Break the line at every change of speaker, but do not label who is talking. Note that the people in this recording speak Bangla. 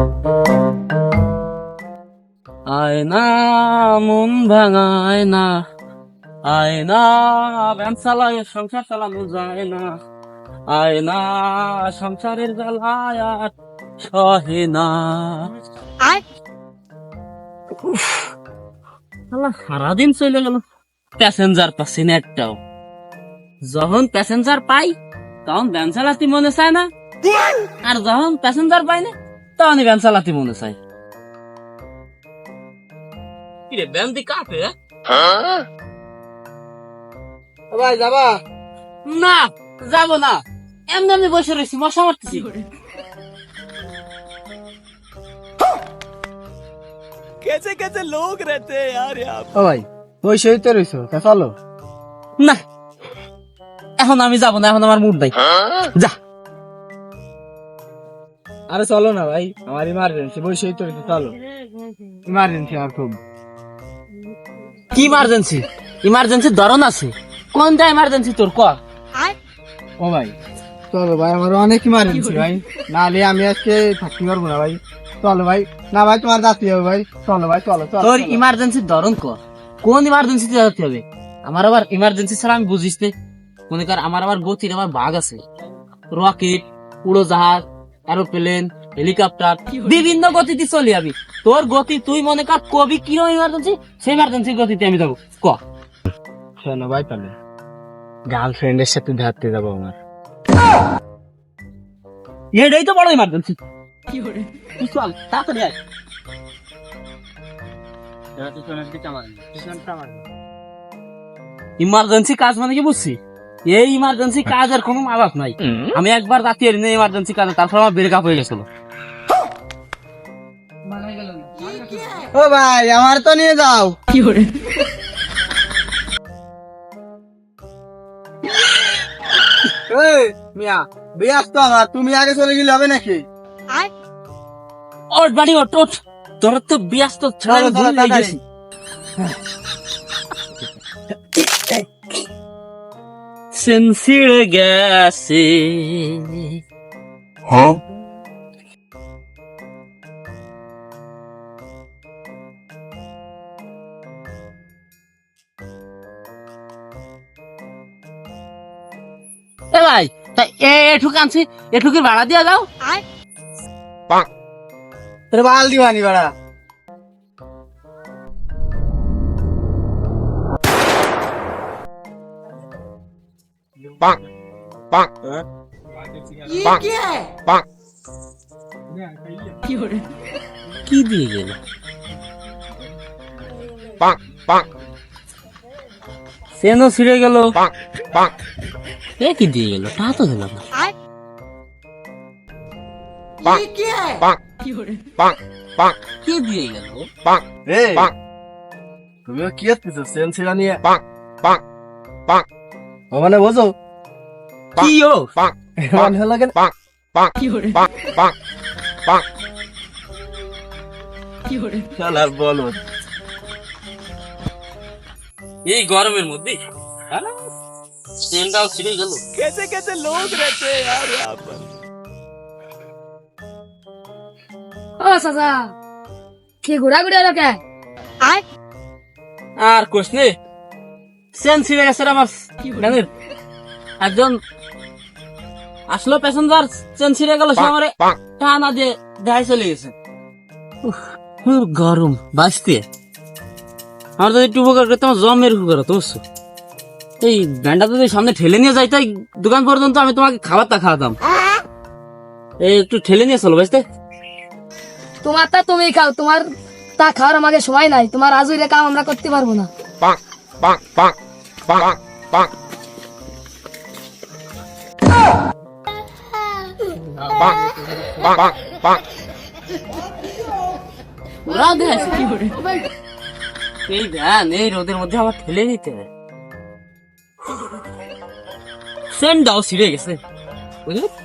আয়না মন ভাঙায় না, আয়না ভ্যান চালায় সংসার চালানো যায় না, আয়না সংসারের জ্বালায় আর সহে না। সারাদিন চলে গেল, প্যাসেঞ্জার পাচ্ছি না একটাও। যখন প্যাসেঞ্জার পাই তখন ভ্যান চালাতে মনে চায় না, আর যখন প্যাসেঞ্জার পাই না তখনই ভ্যান চালাতে মনে চায়। কিরে ভ্যান দি কাটে?
ভাই যাবা?
না যাবো না, এমনি এমনি বসে রয়েছি, মশা মারতেছি।
कैसे कैसे लोग रहते हैं यार यहाँ
ও ভাই ওই সহিত রইছো, তা চলো।
না এখন আমি যাবো না, এখন আমার মুড নাই। যা।
আরে চলো না ভাই, আমার ইমার্জেন্সি, ওই সহিত রইছো, চলো। ইমার্জেন্সি আর খুব।
কি ইমার্জেন্সি? ইমার্জেন্সির ধরন আছে, কোনটা ইমার্জেন্সি তোর ক?
ও ভাই চলো ভাই, আমার অনেক ইমার্জেন্সি ভাই, নাহলে আমি আজকে থাকতে পারবো না ভাই। চলো ভাই। না ভাই তোমার যাতে হবে ভাই, চলো ভাই চলো চলো।
তোর ইমার্জেন্সির ধরন ক? কোন ইমার্জেন্সিতে যেতে হবে? আমার আবার ইমার্জেন্সি ছাড়া আমি বুঝিস নে। মনে কর আমার আবার গতির আবার ভাগ আছে, রকেট, উড়োজাহাজ, এরোপ্লেন, হেলিকপ্টার, বিভিন্ন গতিতে চলি আমি। তোর গতি তুই মনে কর কবি কিরকম ইমার্জেন্সি, সেই ইমার্জেন্সির গতিতে আমি যাবো। ক
শোনো ভাই, তাহলে গার্লফ্রেন্ডের সাথে ঘাটতে যাবো আমার।
এটাই তো বড় ইমার্জেন্সি। তুই চল তাড়াতাড়ি আয়। ইমার্জেন্সি কাজ মানে কি বুঝছি? এই ইমার্জেন্সি কাজের কোনো অভাব নাই। আমি একবার রাতে এর ইমার্জেন্সি কাজে, তারপর আমার ব্রেকআপ হয়ে গেছিল।
ও ভাই আমার তো নিয়ে যাও। এই মিয়া ব্যস্ত আমার, তুমি আগে চলে গেলে হবে নাকি?
ওঠ বাড়ি ওঠ ওঠ, তোর তো ব্যস্ত ছাড়া আমি ভুল হয়ে গেছি। সেন্সিড়ে গেছে। এ ভাই তা এঠুক আনছি, এঠুকের ভাড়া দিয়া যাও।
তোর বাল দিবানি বাড়া।
কি দিয়ে গেল? সেনও ছিঁড়ে গেল, এ কি দিয়ে গেল? তা তো দিল না। কি দিয়ে গেল?
এই তুমিও কি আসতেছো সেন্সিরা নিয়ে? ও মানে বোঝো
কি ও?
মানে হলো কেন? শালার বলো।
এই গরমের মধ্যে সেনটাও ছিঁড়ে গেল।
कैसे कैसे लोग रहते हैं यार यहाँ पर।
ও চাচা, কি ঘোরাঘুরি হলো কে?
আর কোশ নে, সেন ছিঁড়ে গেছে আমার গানের। একজন আসলো প্যাসেঞ্জার, চেন ছিঁড়ে গেল, সে আমার টানা দিয়ে দেখাই চলে গেছে। খুব গরম বাঁচতে। আমার যদি একটু উপকার করতে, আমার জমের উপকার হতো বুঝছো। এই ভ্যানটা যদি সামনে ঠেলে নিয়ে যাইতে দোকান পর্যন্ত, আমি তোমাকে খাবারটা খাওয়াতাম। এই একটু ঠেলে নিয়ে চলো বাঁচতে।
তোমার তা তুমি খাও, তোমার তা খাওয়ার আমাকে সময় নাই। তোমার আজুরে কাম আমরা করতে পারবো না।
এই ভ্যান এই রোদের মধ্যে আমার ঠেলে নিতে, সেনটাও ছিঁড়ে গেছে বুঝলি।